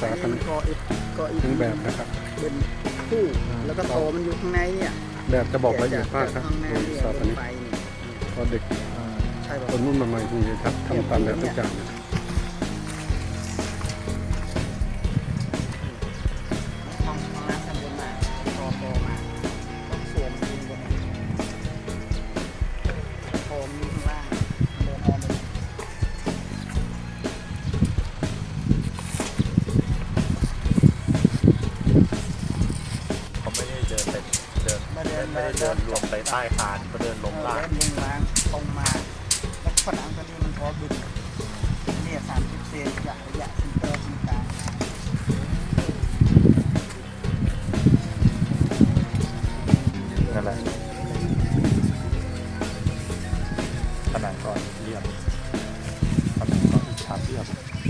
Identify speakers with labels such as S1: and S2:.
S1: ษากัน
S2: ก็อีก
S1: ถึงแบบนะครับ
S2: เป็นคู่แล้วก็โตมันอยู่ข้างในเนี่ย
S1: แบบจะบอกละเอียดมากครับ
S2: ข้างใน
S1: โดย
S2: เนี่ย
S1: สถาป
S2: ล
S1: นิ
S2: ง
S1: ก
S2: ไปเนี่ย
S1: พอเด็ก
S2: ใช่ป่ะ
S1: คนรุ่นใหม่ๆที่ทำตามแบบทุกอย่างเนี่ย
S2: ห้องน้ำชั้นบนมาโตมาต้องสวมดินบนนี้โถมอยู่ข้างล่างเดินออกมา
S3: เขาไม่ได้เดินไปไม่ได้เดินรวมไปใต้คานเขาเดินลงล่าง
S2: เดินลงล่างตรงมาแล้วผนังตัวนี้มันพอบินเนี่ย30 เซนระยะซินเตอร์ซินกลาง
S3: นั่นแหละผนังก่อนเรียบผนังก่อนอิฐฉาบเรียบ